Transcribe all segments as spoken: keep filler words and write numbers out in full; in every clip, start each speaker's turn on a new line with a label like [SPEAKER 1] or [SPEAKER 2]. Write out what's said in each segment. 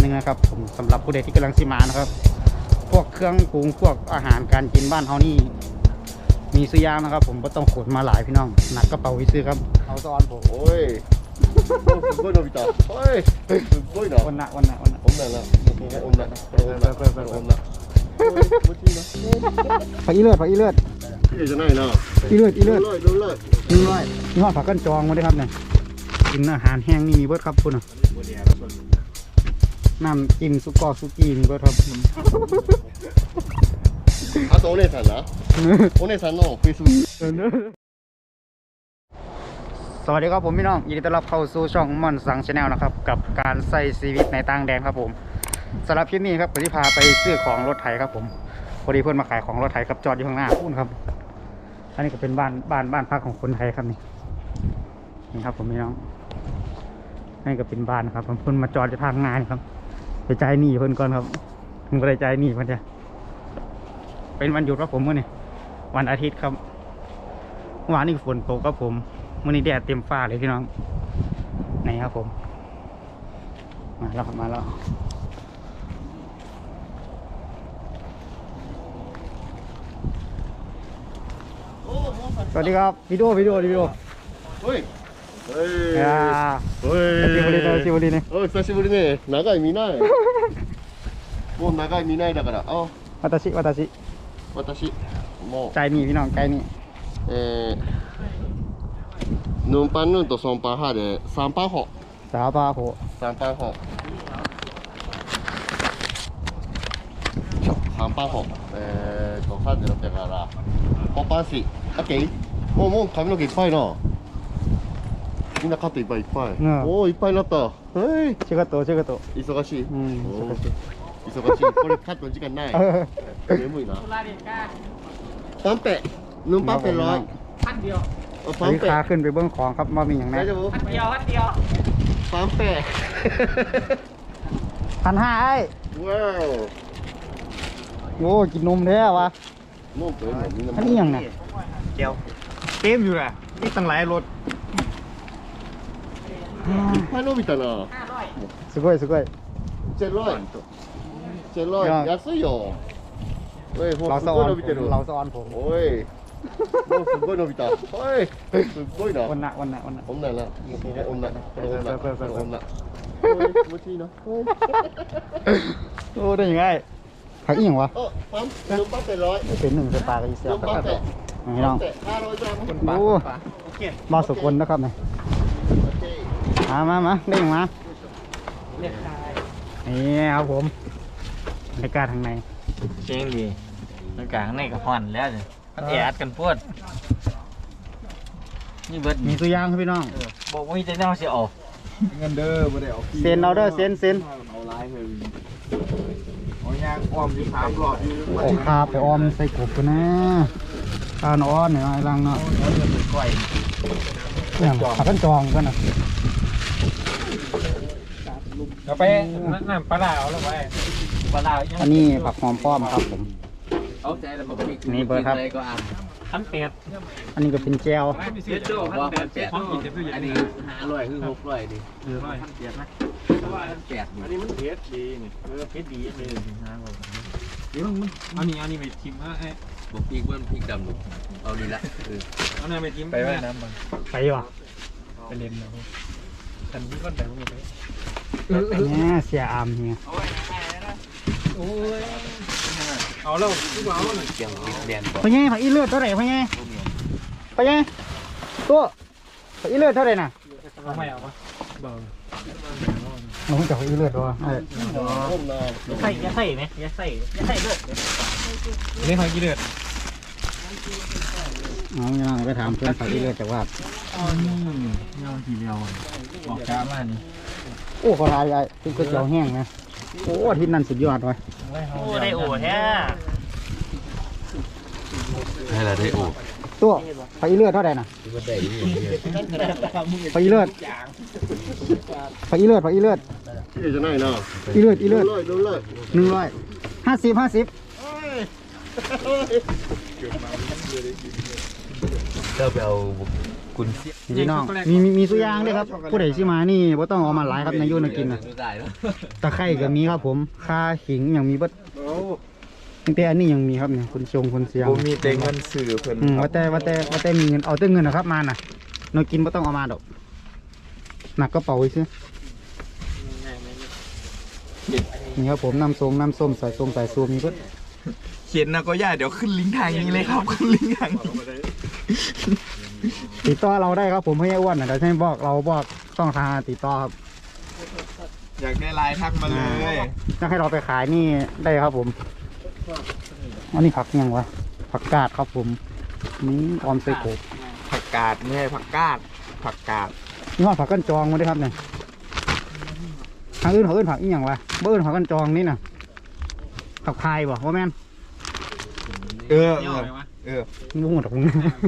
[SPEAKER 1] หนึ่งนะครับผมสำหรับผู้ใดที่กำลังสิมานะครับพวกเครื่องปรุงพวกอาหารการกินบ้านเขานี่มีซื้อยางนะครับผมก็ต้องขนมาหลายพี่น้องหนักกระเป๋าวิซื้อครับเอาซ้อนผม
[SPEAKER 2] โอ้ยすごい伸びたโอ้ยすごいな
[SPEAKER 1] วันละวันละวันละ
[SPEAKER 2] 女な女女女
[SPEAKER 1] ผักอีเลือดผักอีเลือด
[SPEAKER 2] 綺麗じゃないな
[SPEAKER 1] อีเลือดอีเลือด
[SPEAKER 2] ดูเลยดูเลย
[SPEAKER 1] นี่ร้อยนี่ว่าผักกันจองมาด้วยครับเนี่ยกินอาหารแห้งนี่มีเบิร์ดครับคุณน้ำจิ้มซุกกอซุกี้มีเบิร์ดครับ
[SPEAKER 2] あとお姉さんなお姉さんのフェイスブック
[SPEAKER 1] สวัสดีครับผมพี่น้องยินดีต้อนรับเข้าสู่ช่องม่อนสังชาแนลนะครับกับการใส่ชีวิตในต่างแดนครับผมสำหรับคลิปนี้ครับผมที่พาไปซื้อของรถไถครับผมพอดีเพื่อนมาขายของรถไถครับจอดอยู่ข้างหน้าพูดครับอันนี้ก็เป็นบ้านบ้านบ้านพักของคนไทยครับนี่นี่ครับผมพี่น้องนี่ก็เป็นบ้านครับผมเพื่อนมาจอดอยู่ทางงานครับไปจ่ายหนี้เพื่อนก่อนครับเพื่อนก็ได้จ่ายหนี้เพื่อนจะเป็นวันหยุดครับผมเมื่อนี่วันอาทิตย์ครับวันนี้ฝนตกครับผมมื่อนี้แดดเต็มฟ้าเลยพี่น้องไหนครับผมมาแล้วมาแล้วสวัสดีครับวิดีโอวิดีโอวิดีโอ
[SPEAKER 2] おいおいおい
[SPEAKER 1] 久しぶりね久しぶりね
[SPEAKER 2] おい久しぶりね長い見ないもう長い見ないだからあ
[SPEAKER 1] 私私
[SPEAKER 2] 私もう
[SPEAKER 1] ใจนี่พี่น้องใจนี่
[SPEAKER 2] えーヌンパンヌンとソンパンハでさんパンホ
[SPEAKER 1] สาวปลาโห
[SPEAKER 2] さんパンホさんパンホえーとさんぜろろくだからごパンシオッケーもうもう髪の毛いっぱいなみんなカットいっぱいいっぱい、うん、おおいっぱいになったはい
[SPEAKER 1] 仕事仕事
[SPEAKER 2] 忙しい、うん、
[SPEAKER 1] 忙しい
[SPEAKER 2] 忙しいこれカットの時間ない眠いなパンペヌンパンペร้อย
[SPEAKER 3] พันเดียว
[SPEAKER 1] อันนี้ขาขึ้นไปเบื้องของครับมามีอย่างไร
[SPEAKER 3] พันเดียวพันเดียว
[SPEAKER 2] パンペ
[SPEAKER 1] พันห้าไอ้
[SPEAKER 2] ว้าว
[SPEAKER 1] โอ้กินนมแท้วะ
[SPEAKER 2] นมเต็มเลย
[SPEAKER 1] อันนี้ยังไง
[SPEAKER 3] เจียวเต็มอยู่แหละนี่ตั้งหลายรถ
[SPEAKER 2] いっぱい伸びたな
[SPEAKER 1] すごいすごい
[SPEAKER 2] チェロイチェロイ安いよเฮ้ย
[SPEAKER 1] เราสอนเราสอนผม
[SPEAKER 2] โอ้ยもうすごい伸びたはいすごいな
[SPEAKER 1] วันなวันなวันな
[SPEAKER 2] 女な女女女気持ちいいな
[SPEAKER 1] โอ้ได้ยังไงผักอีกอย่างวะ
[SPEAKER 2] ปั๊มนุ่มปั๊มเป็นร้อย
[SPEAKER 1] เป็นหนึ่งเป็นปลากระดิ่งเสียบครับนี่น้องโอ้มาสุกวนนะครับเนี่ยมามามาได้ยังมานี่ครับผมในการทางใน
[SPEAKER 3] เชียงดีในการข้างในก็ห่อนแล้วเนี่ยมันแอดกันปวดนี่เบิด
[SPEAKER 1] มีตัวอย่างครับพี่น้อง
[SPEAKER 3] บอกว่าจะแนวเสียออก
[SPEAKER 2] เงินเด้อไม่ได้ออก
[SPEAKER 1] เซ็นเอาเด้อเซ็นเซ็น
[SPEAKER 2] เอาไลน์เลยเอายางอ้อมอยู่สามหลอดอยู่
[SPEAKER 1] โอ้คาไปอ้อมใส่กบกันนะคานอ้อนเนี่ยไอ้ลังเนาะอย่างขับกันจองกันนะ
[SPEAKER 3] เราไปน้ำปลาดาวแล้วไปปลาดาว
[SPEAKER 1] อันนี้ผักหอมป้อมครับผม
[SPEAKER 3] เอาใจแล้วบอก
[SPEAKER 1] นี่เบอร์ครับ
[SPEAKER 3] พันแปด
[SPEAKER 1] อันนี้ก็เป็นแจว
[SPEAKER 3] พันแปดอันนี้ห้าร้อยคือหกร้อยดิเออพันแปดนะพันแปดอันนี้มันเพชรดีนี่เออเพชรดีเลยห้าร้อยเดี๋ยวมันอันนี้อันนี้ไปทิมไอ้บอกพีกเบิ้ลพีกดำหนุเอาดีละเออเอาหน้าไปทิมไปว่ายน้ำบ้าง
[SPEAKER 1] ไปวะ
[SPEAKER 3] ไปเล่นนะฉันพี่ก้อนแต่พวกนี้ไป
[SPEAKER 1] เนี่ยเสียอามเนี่ย
[SPEAKER 3] โอ้ยเอาแล้วพี่บ่าวหนึ่งเสียงเรียน
[SPEAKER 1] พ่อใหญ่ผักอีเลือดเท่าไหร่พ่อใหญ่พ่อใหญ่ตัวผักอีเลือดเท่าไหร่น่ะ
[SPEAKER 3] เอาไม่เอาวะเบา
[SPEAKER 1] เราจะผักอีเลือดตัว
[SPEAKER 3] ใส่ยาใส่ไหมยาใส่ยาใส่เลือดเล่นผักอีเลือด
[SPEAKER 1] เอาเงี้ยไปถามเพื่อนผักอีเลือดจากว่า
[SPEAKER 3] อ๋อนี่เงาทีเดียวบอกจ้ามานี่
[SPEAKER 1] โอ้ขอทายใหญ่ที่ก๋วยเตี๋ยวแห้งนะโอ้ที่นั่นสุดยอดเลย
[SPEAKER 3] โอ้ได้โอ้แท้
[SPEAKER 2] ให้เราได้โอ้
[SPEAKER 1] ตัวผักอีเลือดเท่าไหร่น่ะผักอีเลือดผักอีเลือดผักอีเลือด
[SPEAKER 2] ที่จะไหนเนาะ
[SPEAKER 1] อีเลือดอีเลือดหนึ่งร้อยห้าสิบห้าสิบ
[SPEAKER 2] เจ้าไปเอากุ
[SPEAKER 3] คุณ
[SPEAKER 1] พี่น้องมีมีมีสุยางด้วยครับผู้ใดสิมานี่บ่ต้องเอามาหลายครับนายโยนกินนะตะไคร้ก็มีครับผมข่าขิงอย่างมีเบิดตั้งแต่อันนี้ยังมีครับเนี่ยคุณชงคุณเสียง
[SPEAKER 3] ผมมีแต่เงินสื่อเพิ่น
[SPEAKER 1] อืมว่าแต่ว่าแต่ว่าแต่มีเงินเอาแต่เงินนะครับมาน่ะนายกินบ่ต้องเอามาดอกหนักกระเป๋าไว้ซื้อนี่ครับผมน้ำส้มน้ำส้มใส่ส้มใส่ซูมีเบิด
[SPEAKER 3] เขียนนะก็ย่าเดี๋ยวขึ้นลิงก์ทางนี้เลยครับขึ้นลิงก์ทางนี้
[SPEAKER 1] ติดต่อเราได้ครับผมให้อ้วนนะเดี๋ยวให้บอกเราบอกต้องทางติดต่อครับ
[SPEAKER 3] อยากได้ไลน์ทักมาเลย
[SPEAKER 1] จะให้เราไปขายนี่ได้ครับผมอันนี้ผักยังวะผักกาดครับผมนี่ออมใส่โขก
[SPEAKER 3] ผักกาดไม่ใช่ผักกาดผักกาด
[SPEAKER 1] นี่ว่าผักกันจองมาด้วยครับเนี่ยทางอื่นเขาอื่นผักอีหยังวะเบิ้ลผักกันจองนี่น่ะผักพายบ่ว่าแม่น
[SPEAKER 3] เออเออเออ
[SPEAKER 1] งูหมดหรอกมึง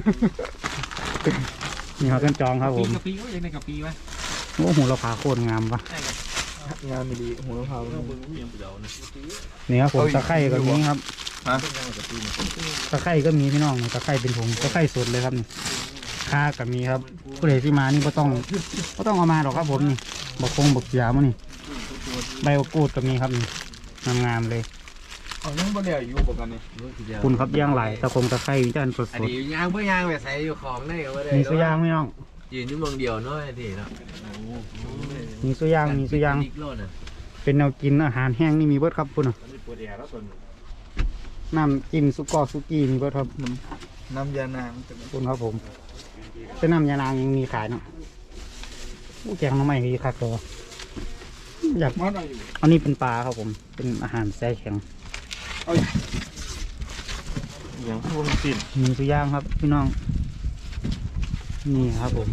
[SPEAKER 1] นี่ผักกันจองครับผม
[SPEAKER 4] กะปิก็ยังในกะปิไหม
[SPEAKER 1] โอ้โหเราผาโคตรงามปะ
[SPEAKER 3] งานไม่ดีหัวเขา
[SPEAKER 1] นี่ครับผมตะไคร้ก็มีครับ
[SPEAKER 3] ฮะ
[SPEAKER 1] ตะไคร้ก็มีพี่น้องตะไคร้เป็นผงตะไคร้สดเลยครับนี่ข่าก็มีครับผู้ใดที่มานี่ก็ต้องก็ต้องเอามาหรอกครับผมนี่บักคงบักเสียมั้งนี่ใบบักกูดก็มีครับนี่งามๆเลย
[SPEAKER 3] เอายังบ่ได้อยู่ปกันนี่
[SPEAKER 1] คุณครับย่างไหลตะคงตะไคร้จานสด
[SPEAKER 5] อันนี้ยางเพื่อยางไปใส่อยู่ของได้ก็ไม่ได้
[SPEAKER 1] ๆมีสุยางพี่น้อง
[SPEAKER 5] ยืนอยู่เมืองเดียวเนาะไอ้ที่เนาะ
[SPEAKER 1] มีสุยางมีสุยาง
[SPEAKER 5] นิกโลดน่ะ
[SPEAKER 1] เป็นแนวกินอาหารแห้งนี่มีเบิดครับคุณน่ะน้ำจิ้มซุกกอซุกี้มีเบิดครับ
[SPEAKER 3] น้ำยานาง
[SPEAKER 1] คุณครับผมเป็นน้ำยานางยังมีขายเนาะอู้แกงน้ำใหม่มีคักตัวอยาก
[SPEAKER 3] มันอะไรอยู่
[SPEAKER 1] อันนี้เป็นปลาครับผม เป็นอาหารแช่แข็ง
[SPEAKER 3] อย่างพวกสิ้น
[SPEAKER 1] มีสุย่างครับพี่น้อง นี่ครับผม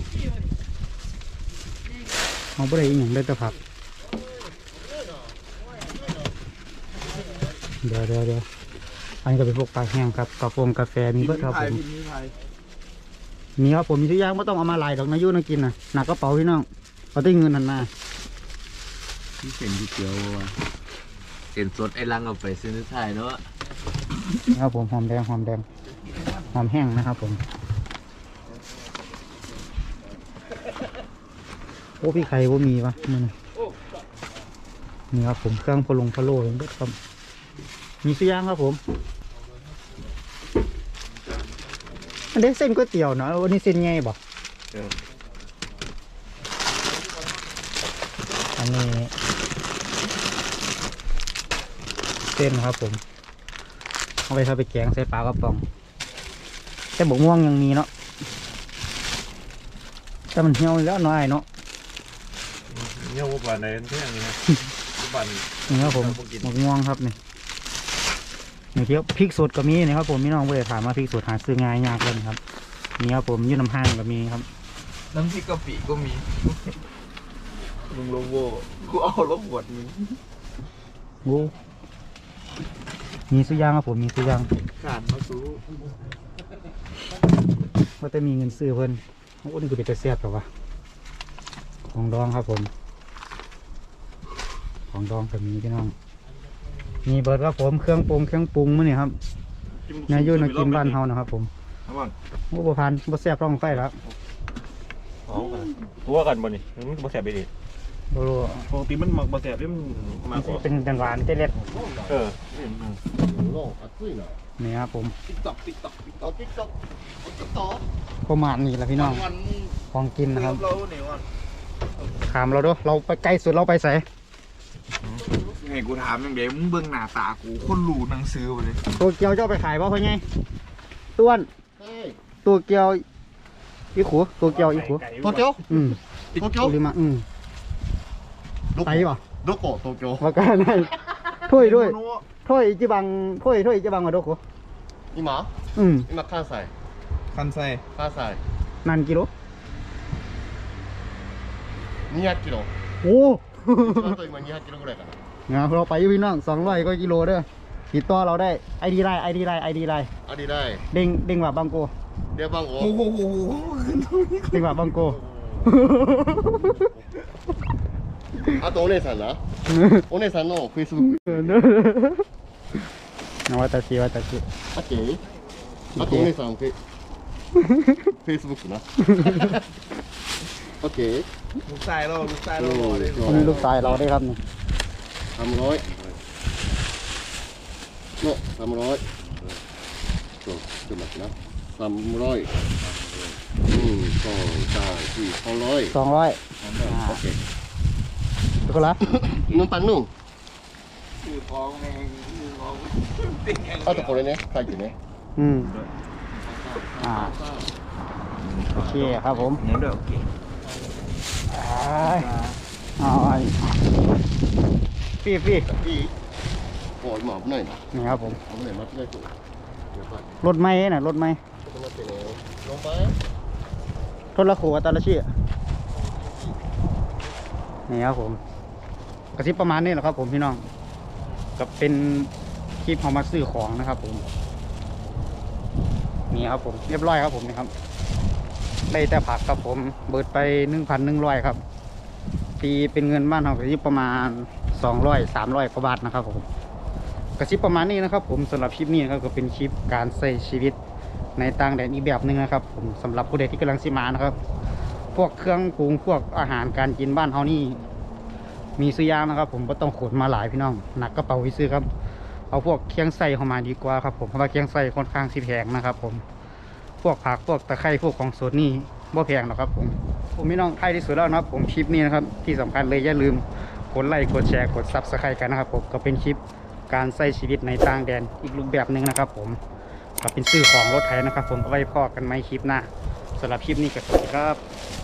[SPEAKER 1] เอาไปได้อีกอย่างได้แต่ผัก เดี๋ยวเดี๋ยวเดี๋ยวอันนี้ก็เป็นพวกปลาแห้งครับกาแฟกาแฟมีเบิดครับผม มีครับผมมีสุย่างไม่ต้องเอามาลายดอกนะยุ่นะกินนะหนักกระเป๋าพี่น้องเอาได้เงินหันมา
[SPEAKER 5] ที่เส้นที่เกียวว่ะเส้นสดไอ้ลังเอาไปซื้อที่ไทยเนาะ
[SPEAKER 1] ครับผมหอมแดงหอมแดงหอมแห้งนะครับผมโอ้พี่ไข่ว่ามีปะนี่นะนี่ครับผมเครื่องพะลงพะโล่ยังเบิดครับมีสุย่างครับผมอันนี้เส้นก๋วยเตี๋ยวเนาะวันนี้เส้นไงบอกอันนี้เส้นครับผมเอาไปทำไปแกงใส่ปลากระป๋องแต่บกม่วงยังมีเนาะแต่มันเหี่ยวแล้วน้อยเนาะ
[SPEAKER 3] เนี่ยว่าบ้านไหนเที่ยงนี่นะบ้าน
[SPEAKER 1] นี่ครับผมบกม่วงครับนี่นี่เที่ยวพริกสดก็มีนะครับผมพี่น้องเวลาถามว่าพริกสดหาซื้อง่ายยากเลยครับนี่ครับผมยืนน้ำห้างก็มีครับ
[SPEAKER 3] น้ำพริกกะปิก็มีลุงโลโวกูเอารถบวชมึง
[SPEAKER 1] โอ้มีสุย่างครับผมมีสุย่าง
[SPEAKER 3] ขาดมาสู้
[SPEAKER 1] ว่าแต่มีเงินซื้อเพิ่นโอ้นี่คือเป็นตะเสียบหรอวะของดองครับผม ของดองก็มีพี่น้องมีเบิร์ดครับผมเครื่องปรุงเครื่องปรุงมื้อนี่ครับนายยุ่นกินบ้านเฮานะครับผมโอ้บ่พันบ่แซ่บร้องไฟแล้ว
[SPEAKER 6] ตัวกันบ่นี่มันบ่แสบไปดิ
[SPEAKER 1] บ่รู้
[SPEAKER 6] ปกติมันมักบ่แสบนี่มันมากกว่า
[SPEAKER 1] เป็นจังหวานเจเล็ด
[SPEAKER 6] เออ
[SPEAKER 2] โลกอัดซุยนะ
[SPEAKER 1] นี่ครับผม
[SPEAKER 2] เอาติ๊กต๊อกเอาติ๊กต๊อก
[SPEAKER 1] ประมาณนี้แหละพี่น้องของกินนะครับ
[SPEAKER 3] เราเนี่ยว่า
[SPEAKER 1] ถามเราด้วยเราไปไกลสุดเราไปใส่
[SPEAKER 3] ไงกูถามยังไงมึงเบิ่งหน้าตากูคนรู้หนังสือไปเลย
[SPEAKER 1] ตัวเกียวเจ้าไปขายบ่เพิ่นไงต้วน
[SPEAKER 2] เฮ้ย
[SPEAKER 1] ตัวเกียวอีขูตัวเกียวอีขู
[SPEAKER 2] โตเกียว
[SPEAKER 1] อืม
[SPEAKER 2] โตเกียว
[SPEAKER 1] หรือมาอืมไตป่ะ
[SPEAKER 2] โดโกโตเกียว
[SPEAKER 1] ว่ากันได้ถ้วยด้วยถ้วยจิบังถ้วยถ้วยจิบังอะโดโก
[SPEAKER 2] 今
[SPEAKER 1] อืม
[SPEAKER 2] 今関西
[SPEAKER 3] คันไซ
[SPEAKER 2] 関西
[SPEAKER 1] นันกิโล
[SPEAKER 2] にひゃくキロ
[SPEAKER 1] โอ้
[SPEAKER 2] 一番遠い今にひゃくキロぐらいかな
[SPEAKER 1] เงาเราไปอยู่พี่น้องสองร้อยก็กิโลเด้อติดต่อเราได้ไอดีไลน์ไอดีไลน์ไอดีไลน์
[SPEAKER 2] ありだい
[SPEAKER 1] เด้งเด้งว่าบังโก
[SPEAKER 2] 電話番号
[SPEAKER 3] โอ้โห
[SPEAKER 1] เด้งว่าบังโก
[SPEAKER 2] あとお姉さんなお姉さんのフェイスブック
[SPEAKER 1] นวัตชิวัตชิ
[SPEAKER 2] オッケーあとお姉さんフェイ Facebook นะ โอเค
[SPEAKER 3] ลูกชายเราลูกชายเราเลย
[SPEAKER 1] อันนี้ลูกชายเราได้ครับนี่
[SPEAKER 2] สามร้อยเนาะสามร้อยตัวตัวหนักนะสามร้อยหนึ่งสองสามสี่สองร้อย
[SPEAKER 1] สองร้อย
[SPEAKER 2] โอเค
[SPEAKER 1] ทุกคนละ
[SPEAKER 2] นุ่มปังนุ่ม
[SPEAKER 3] คือฟองแมงคือฟอง
[SPEAKER 2] เอาตะโกนเลยเนี่ยใครอยู่เนี่ย
[SPEAKER 1] อืมอ่าโอเคครับผม
[SPEAKER 3] เนื้อเด้อโอเค
[SPEAKER 1] เอาไอ้ฟี่ฟี่
[SPEAKER 2] พี่โอ้ยหมอบหน่อยนะ
[SPEAKER 1] นี่ครับผม
[SPEAKER 2] เอาหน่อยมาที่ได้ตัวเดี๋ยวก่อน
[SPEAKER 1] รถไม้น่ะรถไม้
[SPEAKER 2] จะมาเป็นแล้วลงไป
[SPEAKER 1] ทนละโขกับตาละชีนี่ครับผมกระซิบประมาณนี้แหละครับผมพี่น้องก็เป็นคลิปเอามาซื้อของนะครับผมนี่ครับผมเรียบร้อยครับผมนี่ครับได้แต่ผักครับผมเบิดไปหนึ่งพันหนึ่งร้อยครับตีเป็นเงินบ้านเรากระซิบประมาณสองร้อยสามร้อยกว่าบาทนะครับผมกระซิบประมาณนี้นะครับผมสำหรับคลิปนี้นะครับก็เป็นคลิปการใช้ชีวิตในต่างแดนอีกแบบหนึ่งนะครับผมสำหรับผู้ใดที่กำลังสิมานะครับ พวกเครื่องปรุงพวกอาหารการกินบ้านเฮานี่มีซื้อยางนะครับ ผมก็ต้องขนมาหลายพี่น้องหนักกระเป๋าวิซื้อครับเอาพวกเคียงไส้เข้ามาดีกว่าครับผมเพราะว่าเคียงไส้ค่อนข้างสิแพงนะครับ ผมพวกผักพวกตะไคร้พวกของสดนี่บ่แพงหรอกครับผมผมพี่น้องท้ายที่สุดแล้วนะครับผมคลิปนี้นะครับที่สำคัญเลยอย่าลืมกดไลค์กดแชร์กดซับสไครต์กันนะครับผมก็เป็นคลิปการใช้ชีวิตในต่างแดนอีกรูปแบบหนึ่งนะครับ ผมก็เป็นซื้อของรถไถนะครับ ผมเอาไว้พอกันไหมคลิปหน้าสำหรับคลิปนี้ก็สวัสดีครับ